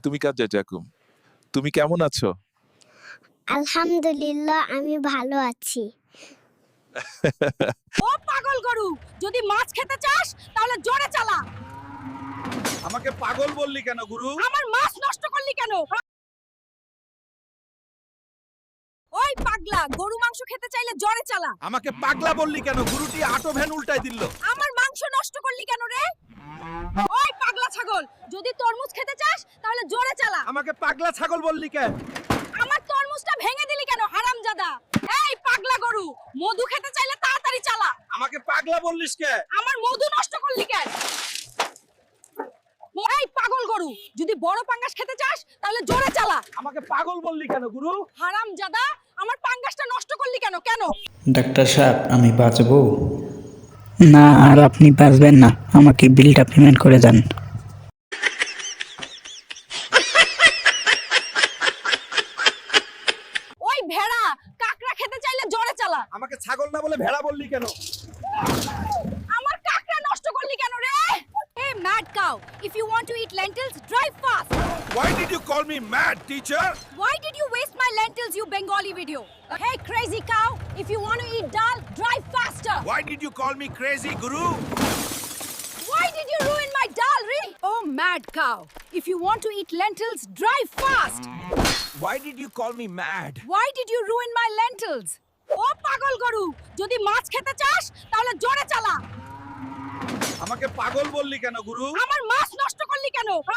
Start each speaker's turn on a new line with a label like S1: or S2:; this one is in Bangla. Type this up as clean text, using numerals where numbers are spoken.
S1: তুমি কাজে যাকুম তুমি কেমন আছো?
S2: আলহামদুলিল্লাহ আমি ভালো আছি।
S3: ও পাগল গরু, যদি মাছ খেতে চাস তাহলে জোরে চালা।
S1: আমাকে পাগল বললি কেন গুরু?
S3: আমার মাছ নষ্ট করলি কেন? ওই পাগলা, গরু মাংস খেতে চাইলে জোরে চালা।
S1: আমাকে পাগলা বললি কেন? গুরুটি আটো ভ্যান উল্টাই দিল।
S3: আমার মাংস নষ্ট করলি কেন রে? ওই পাগলা ছাগল, যদি তরমুজ খেতে চাস তাহলে জোরে চালা।
S1: আমাকে পাগলা ছাগল বললি কেন?
S3: আমার তরমুজটা ভেঙে দিলি কেন হারামজাদা? এই পাগলা গরু, মধু খেতে চাইলে তাড়াতাড়ি চালা।
S1: আমাকে পাগলা বললিস কে?
S3: আমার মধু নষ্ট করলি কেন? এই পাগল গরু, যদি বড় পাঙ্গাস খেতে চাস তাহলে জোরে চালা।
S1: আমাকে পাগল বললি কেন গুরু?
S3: হারামজাদা, আমার পাঙ্গাসটা নষ্ট করলি কেন? কেন?
S4: ডাক্তার সাহেব, আমি বাঁচবো?
S5: না, আর আপনি বাঁচবেন না। আমাকে বিলটা পেমেন্ট করে দেন।
S3: ওই ভেড়া, কাকড়া খেতে চাইলে জোরে চালা।
S1: আমাকে ছাগল না বলে ভেড়া বললি কেন?
S3: আমার কাকড়া নষ্ট করলি কেন রে? Hey mad cow, if you want to eat lentils, drive fast.
S1: Why did you call me mad, teacher?
S3: Why did you waste my lentils, you Bengali video? Hey crazy cow, if you want to eat dal, drive faster.
S1: Why did you call me crazy, guru?
S3: Why did you ruin my dal, re? Oh mad cow, if you want to eat lentils, drive fast.
S1: Why did you call me mad?
S3: Why did you ruin my lentils? ও পাগল গরু, যদি মাছ খেতে চাস তাহলে জোরে চালা।
S1: আমাকে পাগল বললি কেন গুরু?
S3: আমার মাছ নষ্ট করলি কেন?